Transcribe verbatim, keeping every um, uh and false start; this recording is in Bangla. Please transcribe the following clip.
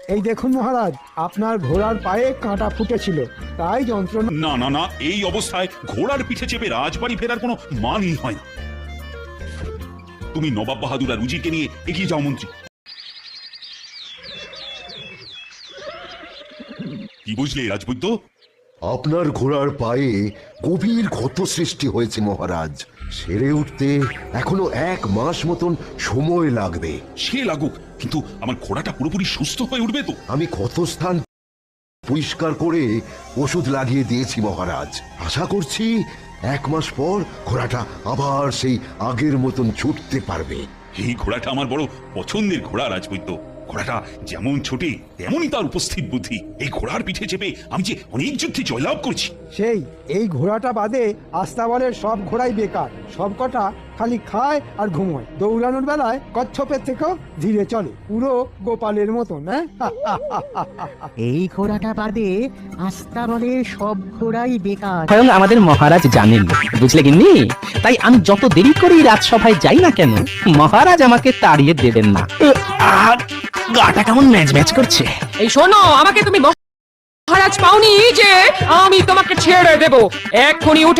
এই দেখুন মহারাজ, আপনার ঘোড়ার পায়ে কাঁটা ফুটেছিল, তাই যন্ত্রণা। না না না, এই অবস্থায় ঘোড়ার পিঠে চেপে রাজবাড়ি ফেরার কোনো মানই হয় না। তুমি নবাব বাহাদুর আর উজিরকে নিয়ে এগিয়ে যাও মন্ত্রী। কি বুঝলে রাজবৈদ্য? আপনার ঘোড়ার পায়ে গভীর ক্ষত সৃষ্টি হয়েছে মহারাজ। সেরে উঠতে এখনো এক মাস মতন সময় লাগবে। সে লাগুক, কিন্তু আমার ঘোড়াটা পুরোপুরি সুস্থ হয়ে উঠবে তো? আমি ক্ষতস্থান পরিষ্কার করে ওষুধ লাগিয়ে দিয়েছি মহারাজ। আশা করছি এক মাস পর ঘোড়াটা আবার সেই আগের মতন ছুটতে পারবে। এই ঘোড়াটা আমার বড় পছন্দের ঘোড়া রাজবৈদ্য। ঘোড়াটা যেমন ছোটে তেমনই তার উপস্থিত বুদ্ধি। এই ঘোড়ার পিঠে চেপে আমি যে অনেক যুদ্ধে জয়লাভ করছি। সেই এই ঘোড়াটা বাদে আস্তাবলের সব ঘোড়াই বেকার, সব কটা খালি খায় আর ঘুমোয়। দৌড়ানোর বেলায় কচ্ছপের থেকেও ধীরে চলে, পুরো গোপালের মতন। হ্যাঁ, এই ঘোড়াটা বাদে আস্তাবলের সব ঘোড়াই বেকার। স্বয়ং আমাদের মহারাজ জানেন, বুঝলে গিন্নি? তাই আমি যত দেরি করেই রাজসভায় যাই না কেন, মহারাজ আমাকে তাড়িয়ে দেবেন না। আর গাটা কেমন ম্যাচ ম্যাচ করছে। এই শোনো, আমাকে তুমি মহারাজ পাওনি যে আমি তোমাকে ছেড়ে দেব। এক্ষুনি উঠে